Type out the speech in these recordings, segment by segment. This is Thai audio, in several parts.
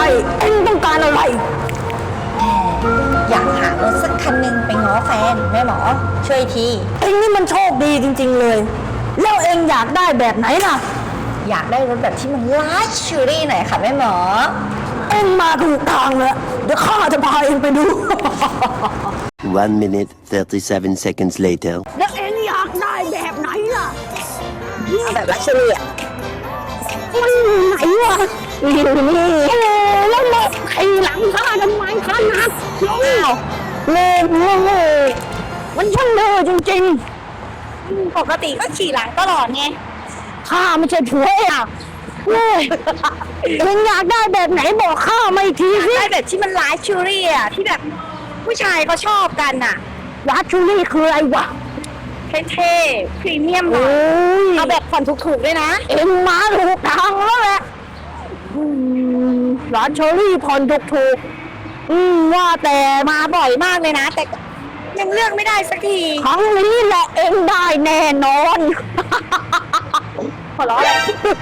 เอ็งต้องการอะไรอยากหารถสักคันหนึ่งไปง้อแฟนแม่หมอช่วยทีเอ็งนี่มันโชคดีจริงๆเลยแล้วเอ็งอยากได้แบบไหนล่ะอยากได้รถแบบที่มันลักชัวรี่หน่อยค่ะแม่หมอเอ็งมาถูกทางแล้วเดี๋ยวข้าจะพาเอ็งไปดู 1 minute 37 seconds later แล้วเอ็งอยากได้แบบไหนล่ะเอาแบบลักชัวรี่อ่ะมันอยู่ไหนวะนี่แล้วรถขี่หลังข้าทำไมข้านักเลยมันช่างเร็วจริงปกติก็ขี่หลังตลอดไงๆข้าไม่ใช่ผัวอ่ะเอ็งอยากได้แบบไหนบอกข้ามาอีกทีสิได้แบบที่มันลักชัวรี่อ่ะที่แบบผู้ชายเขาชอบกันอ่ะลักชัวรี่คืออะไรวะเท่ๆพรีเมียมหน่อยเอาแบบผ่อนถูกๆด้วยนะเอ็งมาถูกทางแล้วแหละลักชัวรี่ผ่อนถูกว่าแต่มาบ่อยมากเลยนะแต่ยังเลือกไม่ได้สักทีครั้งนี้แหละเอ็งได้แน่นอนขอร้องเลย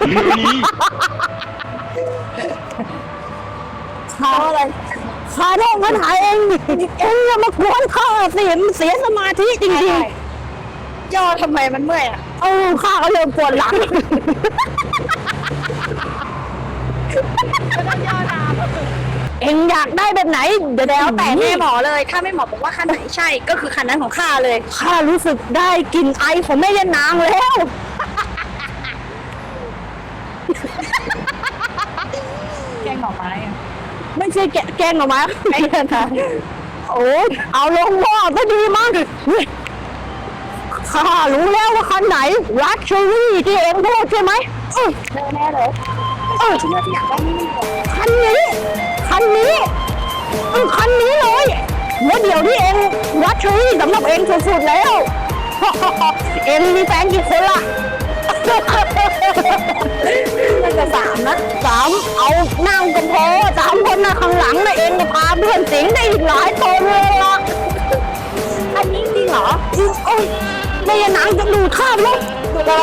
ข้าอะไรข้าต้องมาถ่ายเองอย่ามากวนข้าเสียสมาธิจริงๆย่อทำไมมันเมื่อยอ่ะข้าก็เริ่มปวดหลังเอ็งอยากได้แบบไหนเดี๋ยวแล้วแต่แม่หมอเลยถ้าแม่หมอบอกว่าคันไหนใช่ก็คือคันนั้นของข้าเลยข้ารู้สึกได้กลิ่นไอของแม่ย่านางแล้วแกงหน่อไม้ไม่ใช่แกงหน่อไม้ไม่ใช่นะโอ้เอาลงหม้อก็ดีมั้งข้ารู้แล้วว่าคันไหนลักชัวรี่ที่เอ็งพูดใช่ไหมแน่เลยที่อยากได้นี่คันนี้คันนี้เลยว่าเดี๋ยวที่เอ็งลักชัวรี่สำหรับเอ็งสุดๆแล้วเอ็งมีแฟนกี่คนล่ะมันจะ3 นะ 3เอานั่งกันพอ3 คนนะข้างหลังนะเองจะพาเพื่อนสิงได้อีกหลายคนเลยล่ะอันนี้จริงเหรอโอ้ยไม่ยันหนังจะดูข้ามแล้วดูอะไร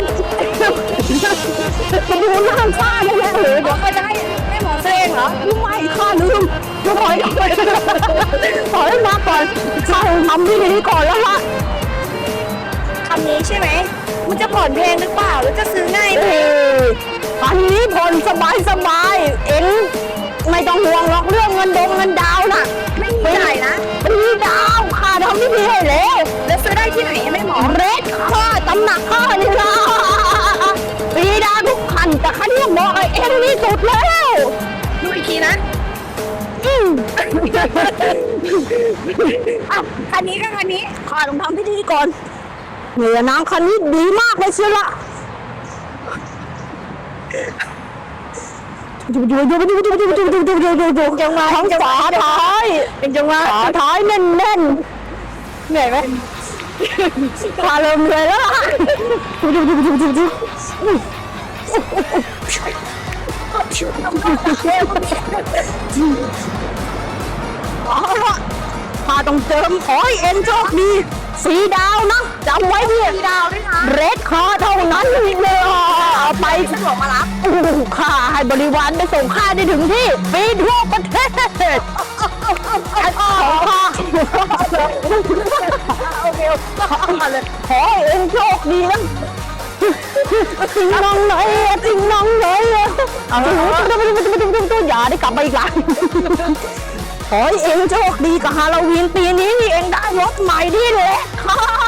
จะดูหน้าข้าได้ไหมเดี๋ยวเขาจะให้แม่หมอเองเหรอไม่ข้าลืมจะถอยมาก่อนข้าทำที่นี้ก่อนแล้วล่ะคำนี้ใช่ไหมมันจะผ่อนแพงหรือเปล่าหรือจะซื้อง่ายไหมอันนี้ผ่อนสบายเอ็งไม่ต้องห่วงหรอกเรื่องเงินดาวน่ะไม่มีจ่ายนะปีดาวข้าทำที่นี่ให้แล้วซื้อได้ที่ไหนไม่หมอเรดข้าตำหนักข้านี่ล่ะปีดาวทุกคันแต่คันนี้บอกเอ็งนี่สุดแล้วดูอีกทีนะคันนี้ก็คันนี้ข้าต้องทำพิธีก่อนเหนือน้ำคันนี้ดีมากเลยเชียวละดูจังหวะทั้งฝาท้ายเป็นจังหวะฝาท้ายแน่นเหนื่อยไหมพาเริ่มเลยแล้วพาต้องเติมขอให้เอ็นโชคดีสีดาวนะจำไว้พี่สีดาวด้วยนะเรดคอเท่านั้นเลยเอาไปสะดวกมารับข้าให้บริวารไปส่งข้าได้ถึงที่ฟรีทั่วประเทศโอเคมาเลยขอเอ็นโชคดีนะทิ้งน้องหน่อยอย่าได้กลับมาอีกแล้วขอให้เอ็งโชคดีกับฮาโลวีนปีนี้นี่เอ็งได้รถใหม่ที่เล็กค่ะ